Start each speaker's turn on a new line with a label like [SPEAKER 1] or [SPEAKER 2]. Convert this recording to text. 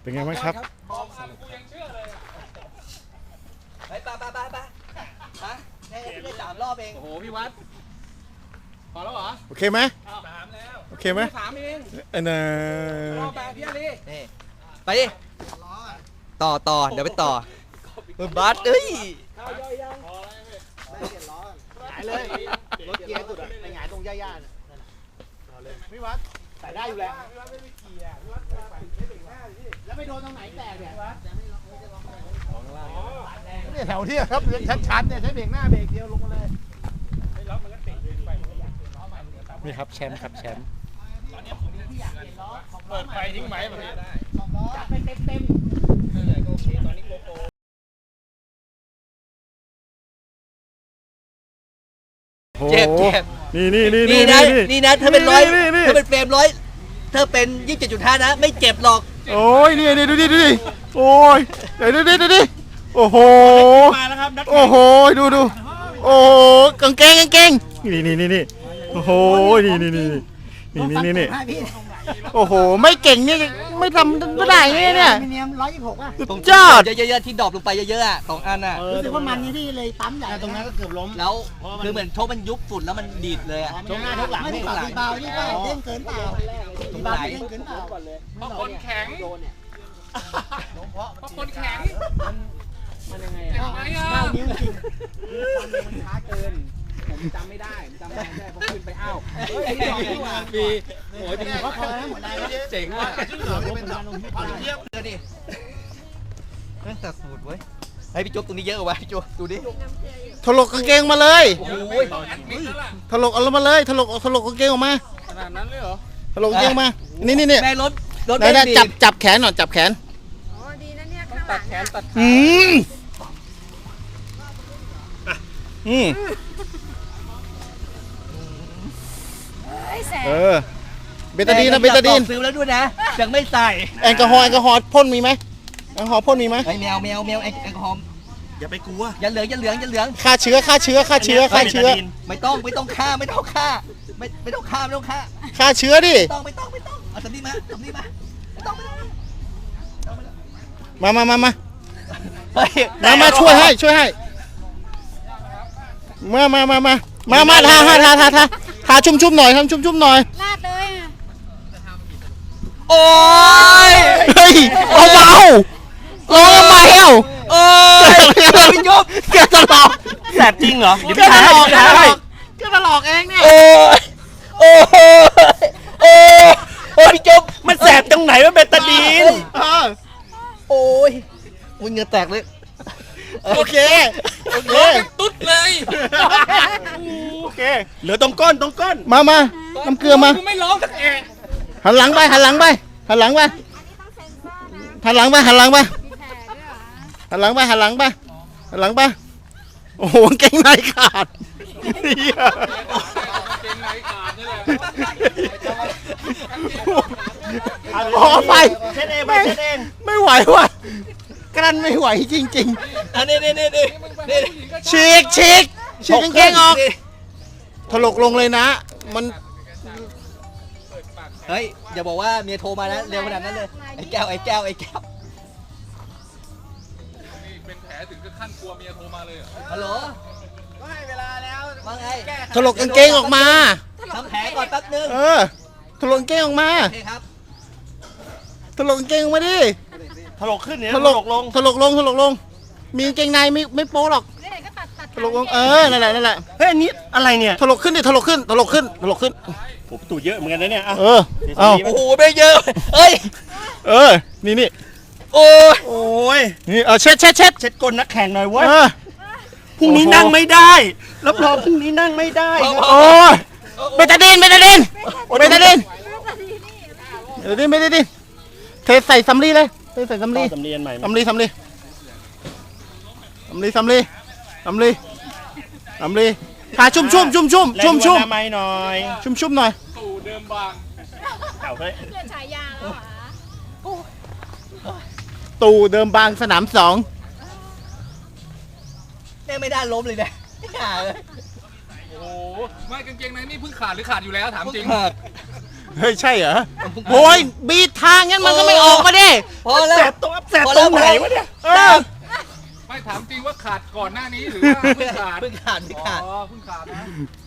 [SPEAKER 1] เป็นไงบ้างครับ
[SPEAKER 2] ไปได้3 รอบเอง
[SPEAKER 3] โอ้โหพี่วัดพอแล้วเหรอ
[SPEAKER 1] โอเคไหม
[SPEAKER 3] 3แล้ว
[SPEAKER 1] โอเคไหม
[SPEAKER 3] 3เอง
[SPEAKER 1] น่ะ
[SPEAKER 3] รอบแบบพี่อาลี
[SPEAKER 2] นี่ไปดิต่อเดี๋ยวไปต่อบัสเอ้ย
[SPEAKER 4] หายเลยรถเกียร์สุดอะไปหงายตรงหญ้าๆน่ะเลยพี่วัดใส่ได้อยู่แล้วแล้วไปโดนตรงไหนแตกเนี่ยเนี่ยแถวที่ครับชัดๆเนี่ยใช้เบรกหน้าเบรกเดียวลงมาเลย
[SPEAKER 1] นี่ครับแชมป์ครับแชมป์
[SPEAKER 3] เปิดไฟทิ้งไหมแบบนี้ได้
[SPEAKER 4] จัดไปเต็ม
[SPEAKER 3] โอเคตอนนี้โกโก้
[SPEAKER 2] เจ็บนี่นะเธอเป็นเธอเป็นเฟรม100เธอเป็น 27.5 นะไม่เจ็บหรอก
[SPEAKER 1] โอ้ยนี่ดูดิโอ้ยเดี๋ยวดิโอ้โห
[SPEAKER 3] มาแล้วครับ
[SPEAKER 1] โอ้โหดูโอ้กางเกงนี่โอ้โหนี่โอ้โหไม่เก่งเนี่ยไม่ทำไม่ได้เนี่ย
[SPEAKER 4] มิเนียม126อ่ะ
[SPEAKER 1] สุดยอด
[SPEAKER 2] เยอะๆที่ดรอปลงไปเยอะๆอ่ะ2 อันอ่ะ
[SPEAKER 4] รู้สึกว่ามันนี่ที่เลยปั๊มใหญ่ตรงนั้นก็เกือบล้ม
[SPEAKER 2] แล้วคือเหมือนโชคมันยุบฝุ่นแล้วมันดีดเลยอ่ะ
[SPEAKER 4] ชกหน้าชกหลังไม่ได้ตีเบานี่ก็เด้งเกินเปล่าตีเบาเด้งเกินเปล่า
[SPEAKER 3] เพราะคนแข็งเพราะคนแข็งมันยังไงอ่ะ
[SPEAKER 4] 9 นิ้วจริง
[SPEAKER 3] มันช้าเกินผมจำไม่ได้ผมขึ้นไปอ้าวปีโอ้ยปี
[SPEAKER 4] ก็พอแล้วหมดได้
[SPEAKER 2] เจ๋งว่ะ
[SPEAKER 4] เทียบ
[SPEAKER 2] เลยดินั่นแต่สูตรเว้ยให้พี่โจ๊กตรงนี้เยอะกว่าพี่โจ๊กดูดิ
[SPEAKER 1] ถลกกางเกงมาเลย
[SPEAKER 2] โอ้ย
[SPEAKER 1] ถลกเอามาเลยถลกกางเกงออกมา
[SPEAKER 3] ขนาดนั้นเลยเหรอ
[SPEAKER 1] ถลกกางเกงมานี่
[SPEAKER 2] แม่รถ
[SPEAKER 1] ได้จับแขนหน่อยจับแขน
[SPEAKER 5] อ๋อดีนะเนี่ยข้างหลั
[SPEAKER 3] ตั
[SPEAKER 5] ง
[SPEAKER 3] ดแขนตัด
[SPEAKER 1] เบตาดีน
[SPEAKER 2] ซื้อแล้วด้วยนะยังไม่ใส่
[SPEAKER 1] แอลกอฮอล์พ่นมีไหมแอลกอฮอล์พ่นมีไหม
[SPEAKER 2] แมวแอลกอฮอล์
[SPEAKER 4] อย่าไปกลัว
[SPEAKER 2] อย่าเหลือง
[SPEAKER 1] ฆ่าเชื้อ
[SPEAKER 2] ไม่ต้องฆ่าไม่ต้องฆ่า
[SPEAKER 1] ฆ่าเชื้อดิ
[SPEAKER 2] ไม่ต้องเอาสำลีมาไม่ต้อง
[SPEAKER 1] มาช่วยให้มาทาชุ่มหน่อยทำชุ่มหน่อย
[SPEAKER 5] ลาดเลยอ่ะ
[SPEAKER 2] โอ้ย
[SPEAKER 1] เฮ้ยเบาร้องทำไม
[SPEAKER 2] โอ้ยพี่ยบ
[SPEAKER 1] แกตลอก
[SPEAKER 2] แสบจริงเหรอ
[SPEAKER 1] แกตลอกเองเนี่ย
[SPEAKER 2] โอ้ยพี่ยบ
[SPEAKER 4] มันแสบตรงไหนว่าเบตาดีน
[SPEAKER 2] โอ้ยมึงเหงื่อแตกเลย
[SPEAKER 1] โอเค
[SPEAKER 3] ตุ๊ดเลย
[SPEAKER 4] โอเคเหลือตรงก้น
[SPEAKER 1] มาน้ำเกลือมา
[SPEAKER 3] ไม่ร้องสัก
[SPEAKER 1] หันหลังไปโอ้โหเก่งในขาด
[SPEAKER 3] นี่แหละ
[SPEAKER 1] ขอไป
[SPEAKER 4] เช็ดเอง
[SPEAKER 1] ไม่ไหวว่ะกลั้นไม่ไหวจริง
[SPEAKER 2] อันนี้
[SPEAKER 1] ฉีกกางเกงออกถลกลงเลยนะมัน
[SPEAKER 2] เฮ้ยอย่าบอกว่าเมียโทรมานะเร็วขนาดนั้นเลยไอ้แก้ว
[SPEAKER 3] เป็นแผลถึงกับขั้นกลัวเมียโทรมาเลย
[SPEAKER 2] ฮัลโหล
[SPEAKER 4] ก็ให้เวลาแล้ว
[SPEAKER 2] ว่าไง
[SPEAKER 1] ถลกกางเกงออกมา
[SPEAKER 2] ทำแผลก่อนแป๊บนึง
[SPEAKER 1] ถลกกางเกงออกมา
[SPEAKER 2] โอเคครับ
[SPEAKER 1] ถลกกางเกงออกมาดิ
[SPEAKER 4] ถลกขึ้นเนี่ย
[SPEAKER 1] ถลกลงมีกางเกงในไม่โป๊หรอกถลกลงนั่นแหละ
[SPEAKER 4] เฮ้ยอันนี้อะไรเนี่ย
[SPEAKER 1] ถลกขึ้น
[SPEAKER 4] ผมตู่เยอะเหมือนกันนะเนี่ย
[SPEAKER 2] โอ้โหไม่เยอะเอ้ย
[SPEAKER 1] นี่
[SPEAKER 2] โอ้
[SPEAKER 4] ย
[SPEAKER 1] นี่เช็ด
[SPEAKER 4] ก้นนักแข่งหน่อยเว้ยพรุ่งนี้นั่งไม่ได้รับรองพรุ่งนี้นั่งไม่ได้
[SPEAKER 1] โอ้ยเบตาดีนเทใส่สำลีเลยใส่สำลี
[SPEAKER 4] อันใหม่
[SPEAKER 1] สำลีทาชุ่ม
[SPEAKER 4] ไม่หน่อย
[SPEAKER 1] ชุ่มหน่อย
[SPEAKER 3] ตู่เดิมบาง
[SPEAKER 4] เฮ้ย
[SPEAKER 5] เพื่อนฉายาแล้วเหรอ
[SPEAKER 1] ตู่เดิมบางสนาม2
[SPEAKER 2] แม่ไม่ได้ล้มเลยนะ
[SPEAKER 3] โอ้โหไม่กางเกงในนี่เพิ่งขาดหรือขาดอยู่แล้วถามจริง
[SPEAKER 1] เฮ้ยใช่เหรอโอ้ยบีทางงั้นมันก็ไม่ออกมาดิ
[SPEAKER 2] พอแล้ว
[SPEAKER 4] แสบตรงไหนวะเนี่ย
[SPEAKER 3] ไม่ถามจริงว่าขาดก่อนหน้านี้หรือว่าเพิ่งขาด
[SPEAKER 2] เพิ่งขาด
[SPEAKER 3] อ๋อเพิ่งขาดนะ